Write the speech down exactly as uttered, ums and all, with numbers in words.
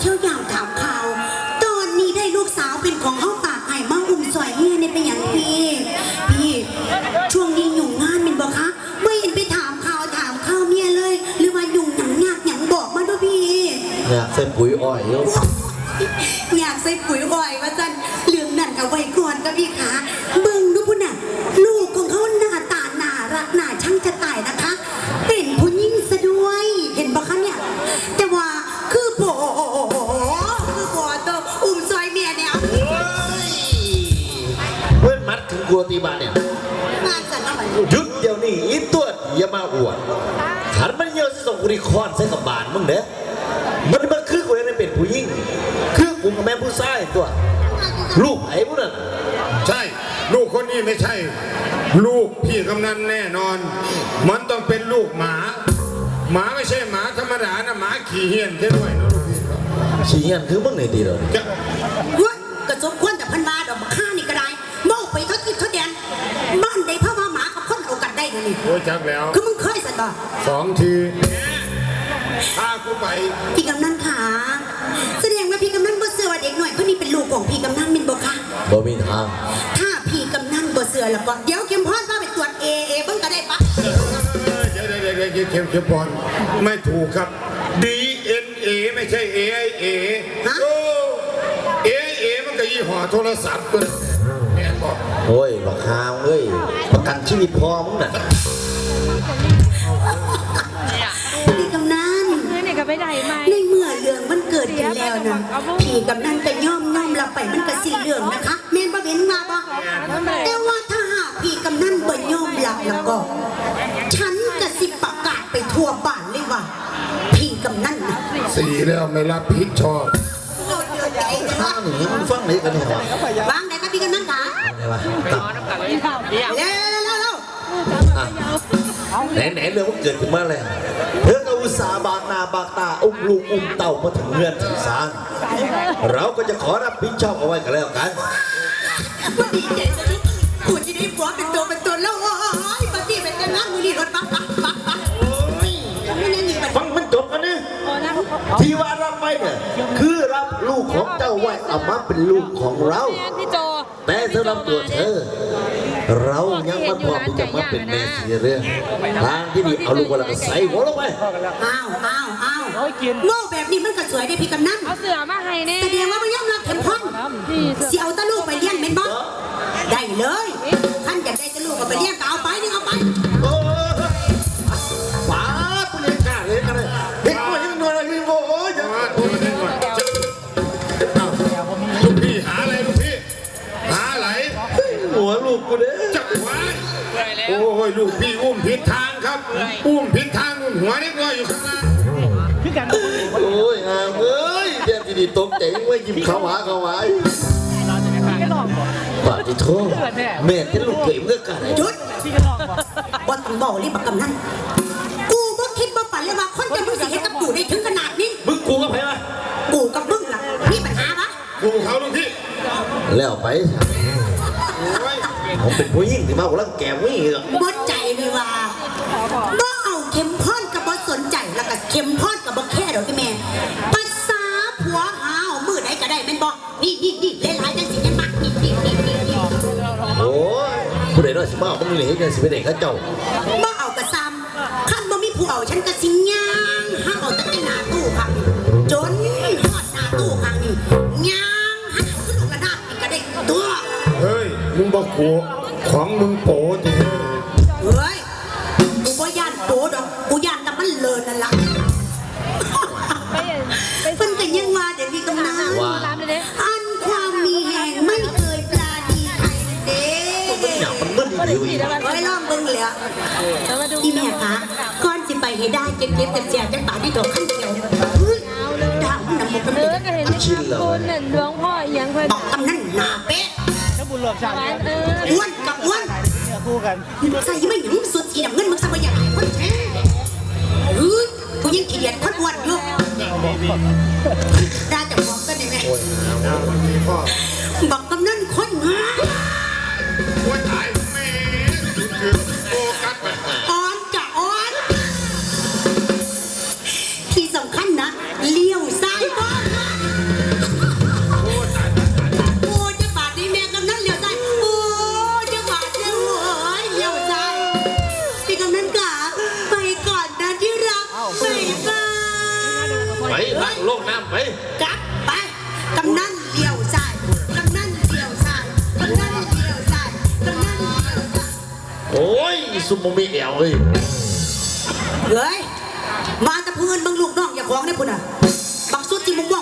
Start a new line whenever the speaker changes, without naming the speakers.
เที่ยวยามถามข่าวตอนนี้ได้ลูกสาวเป็นของเฮาฝากให้มาอุ้มสอยเมียในเป็นอย่างพี่พี่ช่วงนี้ยุ่งงานเป็นบ่คะไม่เห็นไปถามข่าวถามข่าวเมียเลยหรือว่ายุ่งหยังยากหยังบอกมาด้วยพี่
อยากใส่ปุ๋ยอ้อยเยอะ
อยากใส่ปุ๋ยอ้อยว่าจันเรื่องนั่นกับไว้ก่อนกับพี่ขาเบิ่งดูพุ่นน่ะลูกของเขาหน้าตาน่ารักน่าช่างจะตายนะคะเป็นผู้หญิงซะด้วยเห็นบ่คะเนี่ยแต่ว่าคือโผคือโผตัวอุ้มซอยเมียเนี่ย
เพื่อนมัดถึงกลัวตีบานเนี่ย
งานกันแล้วมัน
หยุดเดี๋ยวนี้อีตัวอย่ามาอวดขันมันเยอะสิส่งกุริคอนใส่กับบานมึงเด้อมันมันคือกูยังเป็นผู้หญิงคือกูกับแม่ผู้ชายตัวลูกไอ้พวกนั้น
ใช่ลูกคนนี้ไม่ใช่ลูกพี่กำนันแน่นอนมันต้องเป็นลูกหมาหมาไม่ใช่หมาธรรมดานะหมาขี่เหี้ยนใช่ด้วยนะลูกพี่
ขี่เหี้ยนคือมึงไหนดีเลย
เฮ้ยกระจกควนแต่พันบาดอกข้านี่ก็ได้โม่ไปทดทิพย์ทดแดนบ้านใดพ่อมาหมากับคนเอากันได้เลยนี่
โอ้จักแล้ว
คือมึงเคยสันบ่
สองทีพากูไป
พี่กำนันขาแสดงว่าพี่กำนันบ่เสือว่าเด็กหน่อยคนนี้เป็นลูกของพี่กำนันมินบ่คะ
บ่มีทาง
ถ้าพี่กำนันบ่เสือแล้วก็เดี๋ยวเข้มพรพาไปตรวจเอเอเบิ่งก็ได้ปะ
เดี๋ยวเดี๋ยวเดี๋ยวเข้มเข้มพรไม่ถูกครับ ดี เอ็น เอ ไม่ใช่ เอ ไอ เอ โอ้ เอ เอ มันก็ยี่ห้อโทรศัพท์ตัวแม่บอก
โอ้ยบักฮามเอ้ยประกันชีวิตพอมึงน่ะ
พี่กำนันในเมื่อเรื่องมันเกิดขึ้นแล้วนะพี่กำนันก็ย่อมย่อมรับไปมันก็สี่เรื่องนะคะแม่นบ่เห็นมาบ่แต่ว่าถ้าหากพี่กำนันบ่ย่อมรับแล้วก็ฉันก็สิประกาศไปทั่วบ้านเลยว่าพี่กำนันนะ
สี่แล้วไม่รับผิดชอบ
ข้างหนีมึงฟังไหนกันเนี่ยว
างไหนครับพี่กำนันคะ
อะไรวะตับ
เร็วเร็วเร็วเร็ว
ไหนไหนเรื่องมันเกิดขึ้นมาเลยเรื่องอุตสาบากนาบากตาอุ้มลูกอุ้มเต่ามาถึงเงื่อนถึงศาลเราก็จะขอรับผิดชอบเอาไว้กันแล้วกัน
ดีใจจะได้คุณจะได้ฟ้องเป็นตัวเป็นตนแล้วโอ้ยปฏิเป็นกันนั่งมือดีรถปั๊บปั๊บปั๊บปั๊บ
ฟังมันจบกันนะที่ว่ารับไปเนี่ยคือรับลูกของเจ้าไว้เอามาเป็นลูกของเราแต่สำหรับตัวเธอเรายังไม่พร้อมที่จะมาเป็นแม่สีเรื่องทางที่ดีเอาลูกเราก็ใส่หัวลงไป
อ้าวอ้าวอ้าวโง่แบบนี้มันก็สวยได้พี่กำนัน
เอาเสือมาให้เนี่ย
แสดงว่าไม่ยอมรับเข็มพ่นเสียเอาตะลูกไปเลี้ยงเป็นบ๊อบได้เลยท่านอยากได้ตะลูกก็ไปเลี้ยงก็เอาไปนี่เอาไป
ป้าคุณเลี้ยงกาเลยกันเลยเด็กคนยังนวลอะไรยังโง่ยัง
ลูกพี่หาอะไรลูกพี่หาอะไร
หัวลูกกูเด้
จับไว้โอ้ยลูกพี่อุ้มผิดทางครับอุ้มผิดทางอุ้มหัวเล็กน้อยอยู่ข้างล่าง
โอ้ยอ่าเอ้ยเดี๋ยวทีนี้ตกใจว่ายิ้มเขาหาเขาไว้บาดที่ท้องแม่ที่ลูกเก๋เมื่อกัน
จุดบอลต้องบอกรีบบักกำนันกูบ่คิดบ่ฝันเลยว่าคนจะมึงสิเห็นกับกูได้ถึงขนาดนี้
มึงกูกับใครวะ
กูกับมึงล่ะมีปัญหาปะ
กูเขาลูกพี่
แล้วไปผมเป็นผู้หญิงที่มาหัวลังแกวิ่งเหรอ
บ่ใจเลยว่าบ่เอาเข็มพ่อนกับบ่สนใจแล้วก็เข็มพ่อนกับบ่แค่ดอกที่แม่ภาษาผัวหาวมือไหนก็ได้แม่นบ่นี่นี่นี่เล่นหลายจังสิแม่มักนี่นี่นี่นี่
โอ้ยผู้ใดน้อยสิมาเอามึงเหลือเงินสิไปไหนข้าเจ้า
บ่เอากระซำขั้นบ่มีผู้เอาฉันก็สิย่างห้าเอาแต่หน้าตู้ค่ะจนหอดหน้าตู้ค่ะนี่ย่างห้าขึ้นลงกระดาษอีกก็ได้ตัว
เฮ้ยมึงบอกกูของมึงโป๋จริง
เฮ้ยกูบ่ย่านโป๋ดอกกูย่านแต่มันเลินนั่นล่ะเพิ่นก็ยังว่าเดี๋ยวพี่กำนันอันความมีแห่งไม่เคยปราณีใครเด้
มันมึนอยู่อีก
ไว้ลองเบิ่งเลยอะพี่แม่คะก่อนสิไปให้ได้เก็บเก็บเสียจังป่าที่ดอกขั้นเดียวดาวน้ำมัน
เลิกเห็นคุณเห็นหลวงพ่อยังเพิ่น
บอกกำนันหนาเป๊ะ
บุญหลวงชาติ
อ้วนกับอ้วน
คู่กัน
ใส่ไม่หยังสุดสีน้ำเงินมึงสบายอย่างไรคนแท้เฮ้ยกูยังขี้เกียจคนอ้วนอยู่ได้แต่บอกกันได้ไหมบอกกำนันคนงาม
ว่าตายแม่คือโฟกัส
อ่อนจะอ่อนที่สำคัญนะเลี้ยวซ้ายบ้าง
โอ้ยซุมโมมีแอวเลย
เฮ้ยมาแตะพื้นเบังลูกน้องอย่าของได้พุ่นอ่ะบักสุดที่มึงว่า